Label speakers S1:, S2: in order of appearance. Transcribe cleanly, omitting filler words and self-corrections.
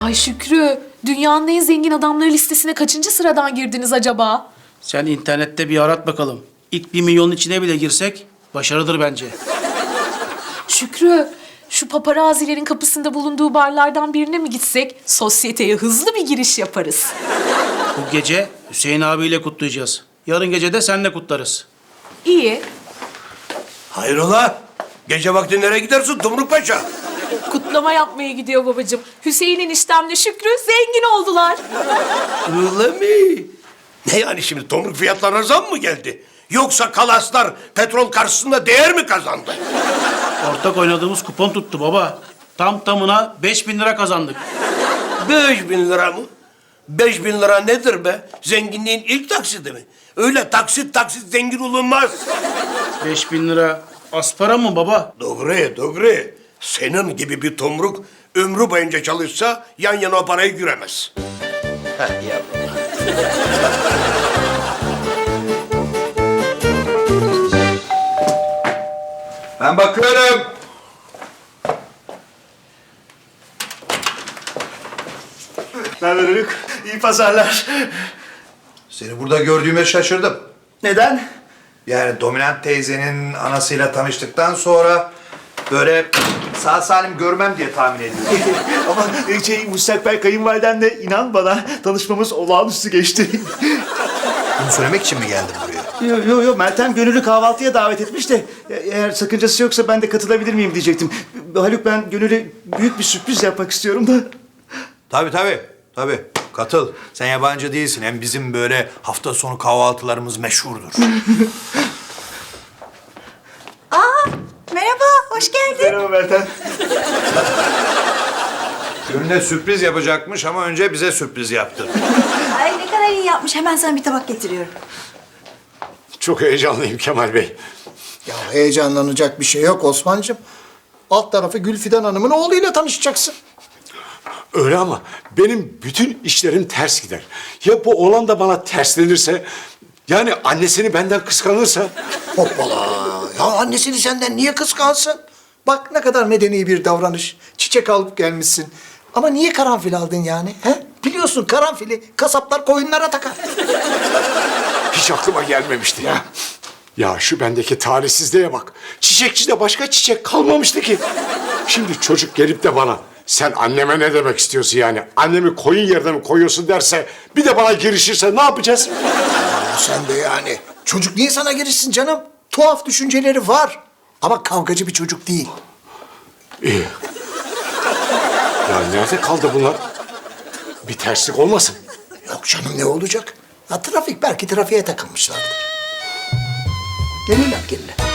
S1: Ay Şükrü, dünyanın en zengin adamları listesine kaçıncı sıradan girdiniz acaba?
S2: Sen internette bir arat bakalım. İlk 1 milyonun içine bile girsek başarıdır bence.
S1: Şükrü, şu paparazilerin kapısında bulunduğu barlardan birine mi gitsek sosyeteye hızlı bir giriş yaparız.
S2: Bu gece Hüseyin abiyle kutlayacağız. Yarın gece de seninle kutlarız.
S1: İyi,
S3: Hayrola? Gece vakti nereye gidersin Tomruk Paşa?
S1: kutlama yapmaya gidiyor babacığım. Hüseyin'in eniştemle Şükrü zengin oldular.
S3: Öyle mi? Ne yani şimdi tomruk fiyatlarına zam mı geldi? Yoksa kalaslar petrol karşısında değer mi kazandı?
S2: Ortak oynadığımız kupon tuttu baba. Tam tamına 5.000 lira kazandık.
S3: 5.000 lira mı? 5.000 lira nedir be? Zenginliğin ilk taksidi mi? Öyle taksit zengin olunmaz.
S2: 5.000 lira az para mı baba?
S3: Doğru, doğru. Senin gibi bir tomruk ömrü boyunca çalışsa yan yana o parayı göremez. Heh yavrum.
S4: Ben bakıyorum.
S5: Merhaba Haluk. İyi pazarlar.
S4: Seni burada gördüğüme şaşırdım.
S5: Neden?
S4: Yani dominant teyzenin anasıyla tanıştıktan sonra böyle sağ salim görmem diye tahmin ediyorum.
S5: Ama müstakbel kayınvalidemle inan bana tanışmamız olağanüstü geçti.
S4: Bunu söylemek için mi geldin buraya?
S5: Yo, Meltem Gönül'ü kahvaltıya davet etmiş de eğer sakıncası yoksa ben de katılabilir miyim diyecektim. Haluk, ben Gönül'e büyük bir sürpriz yapmak istiyorum da.
S4: Tabii. Katıl. Sen yabancı değilsin. Hem bizim böyle hafta sonu kahvaltılarımız meşhurdur.
S6: Merhaba, hoş geldin.
S5: Merhaba Meltem.
S4: Gönül'e sürpriz yapacakmış ama önce bize sürpriz yaptı.
S6: Ay ne kadar iyi yapmış. Hemen sana bir tabak getiriyorum.
S7: Çok heyecanlıyım Kemal Bey.
S8: Ya heyecanlanacak bir şey yok Osman'cığım. Alt tarafı Gülfidan Hanım'ın oğluyla tanışacaksın.
S7: Öyle ama benim bütün işlerim ters gider. Ya bu oğlan da bana terslenirse, yani annesini benden kıskanırsa...
S8: Hoppala. Ya annesini senden niye kıskansın? Bak ne kadar medeni bir davranış. Çiçek alıp gelmişsin. Ama niye karanfil aldın yani? He? Biliyorsun karanfili kasaplar koyunlara takar.
S7: Hiç aklıma gelmemişti ya. Ya şu bendeki talihsizliğe bak. Çiçekçide başka çiçek kalmamıştı ki. Şimdi çocuk gelip de bana, sen anneme ne demek istiyorsun yani? Annemi koyun yerine mi koyuyorsun derse, bir de bana girişirse ne yapacağız?
S8: Sen de yani. Çocuk niye sana girişsin canım? Tuhaf düşünceleri var. Ama kavgacı bir çocuk değil.
S7: İyi. Ya nerede kaldı bunlar? Bir terslik olmasın.
S8: Yok canım ne olacak? Ya trafik belki trafiğe takılmışlardır. Gelirler.